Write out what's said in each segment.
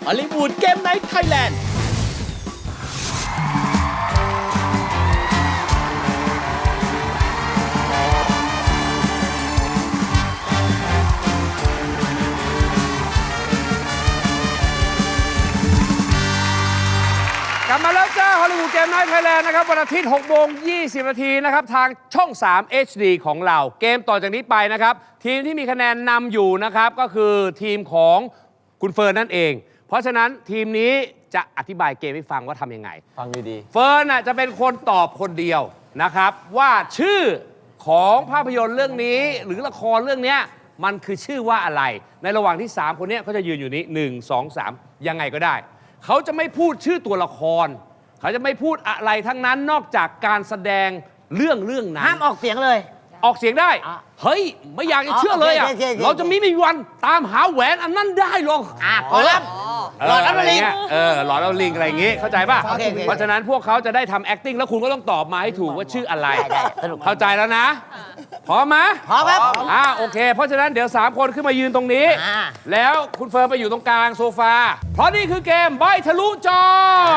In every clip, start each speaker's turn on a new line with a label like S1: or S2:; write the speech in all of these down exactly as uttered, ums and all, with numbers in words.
S1: ฮอลลีวูดเกมไนท์ไทยแลนด์
S2: กลับมาแล้วจ้าฮอลลีวูดเกมไนท์ไทยแลนด์นะครับวันอาทิตย์หกโมงยี่สิบนาทีนะครับทางช่องสาม เอช ดี ของเราเกมต่อจากนี้ไปนะครับทีมที่มีคะแนนนำอยู่นะครับก็คือทีมของคุณเฟิร์นนั่นเองเพราะฉะนั้นทีมนี้จะอธิบายเกมให้ฟังว่าทำยังไง
S3: ฟังดีๆ
S2: เฟิร์นจะเป็นคนตอบคนเดียวนะครับว่าชื่อของภาพยนตร์เรื่องนี้หรือละครเรื่องนี้มันคือชื่อว่าอะไรในระหว่างที่สามคนนี้เขาจะยืนอยู่นี้หนึ่ง สอง สามยังไงก็ได้เขาจะไม่พูดชื่อตัวละครเขาจะไม่พูดอะไรทั้งนั้นนอกจากการแสดงเรื่องเรื่องนั้น
S4: ห้ามออกเสียงเลย
S2: ออกเสียงได้เฮ้ยไม่อยากจะเชื่อเลยอ่ะเราจะมีไม่มีวันตามหาแหวนอันนั้นได้หรอก
S4: อ่ะขอรับหลอดแล้วลิง
S2: เออหลอดแล้วลิงอะไรอย่างงี้เข้าใจป่ะเพราะฉะนั้นพวกเขาจะได้ทำ acting แล้วคุณก็ต้องตอบมาให้ถูกว่าชื่ออะไรเข้าใจแล้วนะพร้อมไหม
S4: พร้อมครับ
S2: อ่าโอเคเพราะฉะนั้นเดี๋ยวสามคนขึ้นมายืนตรงนี้แล้วคุณเฟิร์นไปอยู่ตรงกลางโซฟาเพราะนี่คือเกมใบทะลุจอ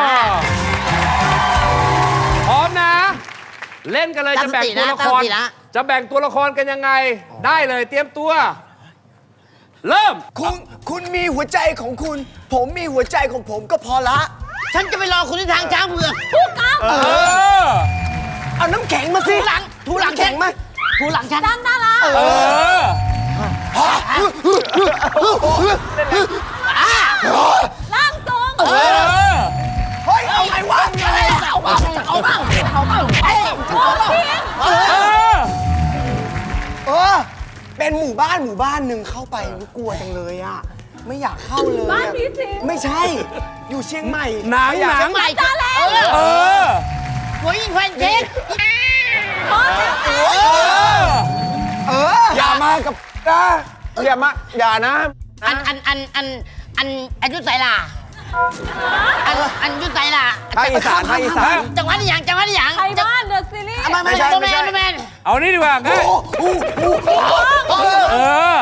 S2: พร้อมนะเล่นกันเลยจะแบ่งตัวละครจะแบ่งตัวละครกันยังไงได้เลยเตรียมตัวเริ่ม
S1: คุณคุณมีหัวใจของคุณ ผมมีหัวใจของผมก็พอละ
S4: ฉันจะไปรอคุณที่ทางช้างเผือก
S1: ถูกต้องเออเอาน้ำแข็งมาสิ
S4: ถูหลังถูหลัง
S1: แข็งไหม
S4: ถูหลังฉันด้านด้านละ
S2: เออ
S4: ล่างตรง
S1: เฮ้ยเอาไงวะ
S4: อะไรเอาบ้างเอาบ้างเอาบ้างเอ้ยเอ
S1: อเออเป็นหมู่บ้านหมู่บ้านหนึ่งเข้าไปกลัวจังเลยอ่ะไม่อยากเข้าเลยบ้านนี้สิไม่ใช่อยู่เชียงใหม่
S2: หนังหนัง
S4: ใหม่จ้าแล้ว
S2: เออ
S4: หัวยิงแฟนเค้ก
S1: เอออย่ามากับนะอย่ามาอย่านะ
S4: อันอันอันอันอันอายุไสล่ะอันอันยุไสล่ะ
S1: ภาคอีสานภาคอีสาน
S4: จังหวัดอย่างจังหวัดอย่าง
S5: ไทยบ้านเดอะซีรีส์
S4: ไม่ใช่ไม่ใช่แมน
S2: เอานี่ดีกว่าง่ายเออ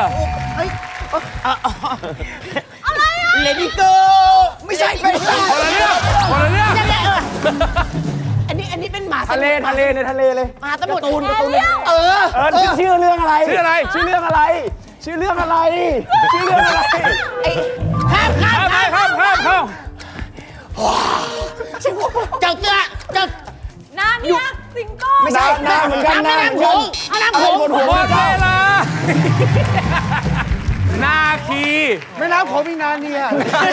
S4: อะไรอ่ะ
S1: เลดี้โกไม่ใช่ไม่ใช่
S2: คนละเรื่องคนละเรื่อง
S4: อันนี้อันนี้เป็นหมา
S1: ทะเลทะเลในทะเลเลย
S4: หมาสมุทร
S1: ตูนตูน
S4: เออ
S1: เออชื่อเรื่องอะไร
S2: ชื่ออะไร
S1: ชื่อเรื่องอะไรชื่อเรื่องอะไรชื่อเรื่องอะไร
S4: ข้ามข้าม
S2: ข้ามข้ามข้ามข้าม
S4: เจ้าเจ้าเจ้า
S5: นาเนียสิงโต
S1: ไม่ใช่น้ำเหมือนกัน
S4: น้ำน้ำโขงน้ำโขง
S2: หมดเวลานาคี
S1: ไม่น้ำโขงมีนาเนีย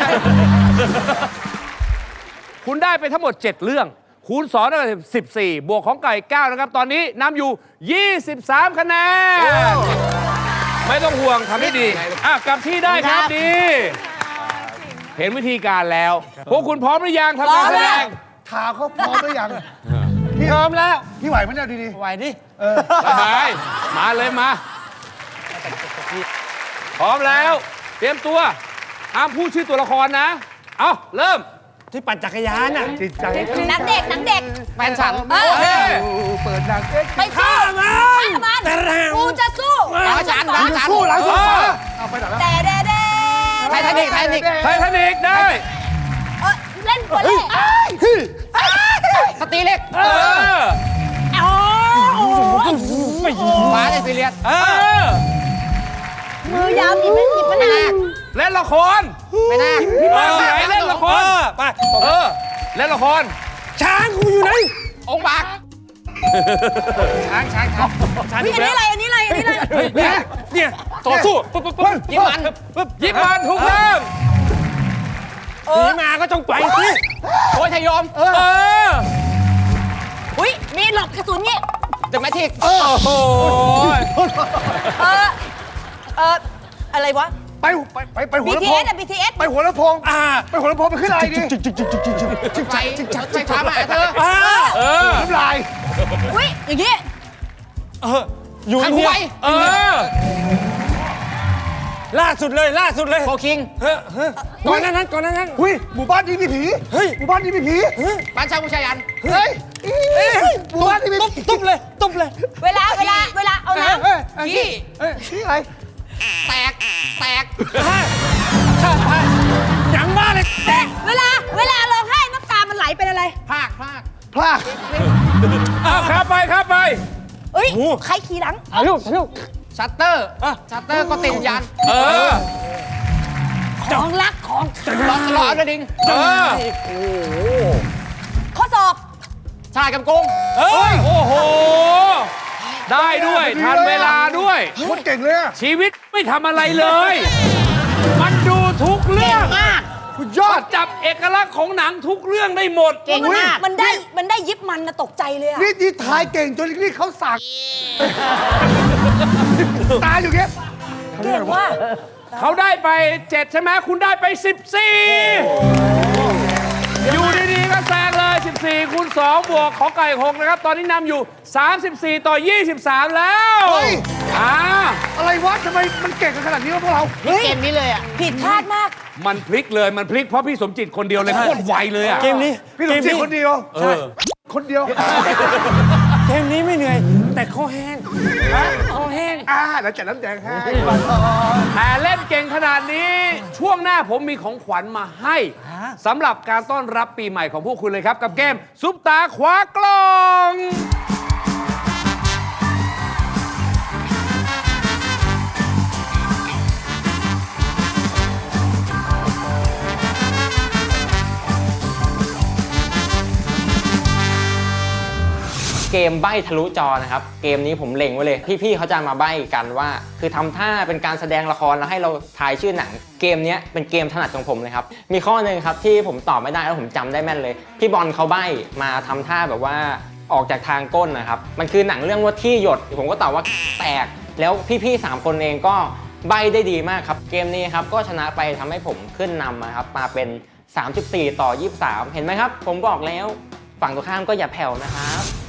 S2: คุณได้ไปทั้งหมดเจ็ดเรื่องคูณสองได้สิบสี่บวกของไก่เก้านะครับตอนนี้นำอยู่ยี่สิบสามคะแนนไม่ต้องห่วงทำได้ดีอ่ะกลับที่ได้ครับดีเห็นวิธีการแล้วพวกคุณพร้อมหรือยังทำการแสดง
S1: ถามเขาพร้อมหรือยังพี่พร้อมแล้วพี่ไหวไหมเนี่ยดี
S4: ๆไหวดิ
S1: เออ
S2: สบายมาเลยมาพร้อมแล้วเตรียมตัวห้ามพูดชื่อตัวละครนะเอาเริ่ม
S1: ที่ปั่นจักรยานน่ะจิตใจ
S5: นักเด็กนักเด็ก
S4: แฟนฉัน
S2: โอเค
S1: เปิดดังเอ็กซ์
S5: ไปฆ่ามันกูจะสู้
S4: หลังฉันหลังฉัน
S1: สู้หลังสู้เอาไปหลังแล้ว
S5: แต่เด้เด้
S4: ไททานิกไททานิก
S2: ไททานิกได้
S5: เล่นบอลเล่
S4: สตีเล็ก
S2: เออ
S4: ฟ้าเลยซีเรียส
S2: เออ
S5: มือยาวหยิบหยิบมาหนัก
S2: เล่นละคร
S4: ไม่น่า
S2: พี่มาไหนเล่นละครไปเออเล่นละคร
S1: ช้างกูอยู่ไหน
S4: องค์บากช้างช้างช้าง
S5: ช้างอันนี้อะไรอันนี้อะไรอันนี้อะไร
S2: เนี่ยเนี่ยต่อสู้ปุ๊บปุ๊บปุ๊บยิบมันปุ๊บยิบมันทุกเรื่อง
S1: หนีมาก็ต้องไปสิ
S4: โอ้ยทยอม
S2: เออ
S5: อุ้ยมีหลบกระสุนงี้
S4: จะไม่ทิก
S2: โอ้โห
S5: เออเอออะไรวะ
S1: ไปไปไปไปหัวลำโพง
S5: บี ที เอส อะ บี ที เอส
S1: ไปหัวลำโพงอ่าไปหัวลำโพงไปขึ้นอะไรดิ
S4: จิกใจจิกใจจิกช้ามาเธอ
S2: เออ
S1: น้ำลาย
S5: อุ้ยอย่างงี้
S2: เอออยู่ที่เออล่าสุดเลยล่าสุดเลย
S4: โฟคิง
S2: ก่อนนั้นนั้นก่อนนั้นนั้น
S1: หุ้ยหมู่บ้านนี้มีผีเฮ้ยหมู่บ้านนี้มีผี
S4: บ้านชาวผู้ชายัน
S1: เฮ้ยหมู่บ้านนี้มีผี
S2: ตุ๊บเลยตุ๊บเลย
S5: เวลาเวลาเวลาเอาน้ำ
S4: ขี้
S1: ขี้อะไร
S4: แตกแตก
S2: ยังไม่บ้าเลย
S5: เวลาเวลาร้องไห้น้ำตามันไหลเป็นอะไร
S4: ภาคภาค
S1: พลาด
S2: เอาครับไปครับไป
S5: เอ้ย ใครขี่หลัง
S1: ถ่ายรูปถ่ายรูป
S4: ชัตเตอร์ชัตเตอร์ก็ติดยัน
S2: เออ
S5: ของรักของ
S4: รอรอเอากระดิ่ง
S2: เออ
S5: ข้อสอบ
S4: ชายกับกุ้ง
S2: เอ้ย โอ้โห ได้ด้วย ทันเวลาด้วย
S1: โคตรเก่งเลยอะ
S2: ชีวิตไม่ทำอะไรเลย มันดูทุกเรื่อง
S4: มาก
S1: สุดยอด
S2: จับเอกลักษณ์ของหนังทุกเรื่องได้หมด
S4: เก่งมาก
S5: มันได้มันได้ยิบมันนะตกใจเลยอะ
S1: นี่ที่ทายเก่งจนนี่เขาสั่งตายอยู่เงี้ย
S5: เก่งว่า
S2: เขาได้ไปเจ็ดใช่ไหมคุณได้ไปสิบสี่อยู่ดีๆก็แซงเลย สิบสี่คูณสองบวกของไก่หงนะครับ ตอนนี้นำอยู่ สามสิบสี่ ต่อ ยี่สิบสาม แล้ว
S1: เฮ้ย
S2: อ่า
S1: อะไรวะทำไมมันเก่งกันขนาดนี้วะพวกเรา
S4: เกมนี้เลยอ่ะ
S5: ผิดพลาดมาก
S2: มันพลิกเลย มันพลิกเพราะพี่สมจิตคนเดียวเลยโคตรไวเลยอ่ะ
S3: เกมนี้
S1: พี่สมจิตคนเดียว
S2: เออ
S1: คนเดียว
S3: เกมนี้ไม่เหนื่อย แต่คอแห้งคอแห้ง
S1: อ่าแล้วจัดน้ำแดงให้
S2: แต่เล่นเก่งขนาดนี้ ช่วงหน้าผมมีของขวัญมาให้สำหรับการต้อนรับปีใหม่ของพวกคุณเลยครับ กับเกมซุปตาคว้ากล่อง
S6: เกมใบ้ทะลุจอนะครับ เกมนี้ผมเล็งไว้เลย พี่ๆเขาจะมาใบ้กันว่า คือทำท่าเป็นการแสดงละครแล้วให้เราทายชื่อหนัง เกมนี้เป็นเกมถนัดของผมเลยครับ มีข้อหนึ่งครับที่ผมตอบไม่ได้แล้วผมจำได้แม่นเลย พี่บอลเขาใบ้มาทำท่าแบบว่าออกจากทางก้นนะครับ มันคือหนังเรื่องว่าที่หยด ผมก็ตอบว่าแตก แล้วพี่ๆสามคนเองก็ใบ้ได้ดีมากครับ เกมนี้ครับก็ชนะไปทำให้ผมขึ้นนำนะครับมาเป็นสามสิบสี่ต่อยี่สิบสามเห็นไหมครับผมบอกแล้วฝั่งตรงข้ามก็อย่าแผ่วนะครับ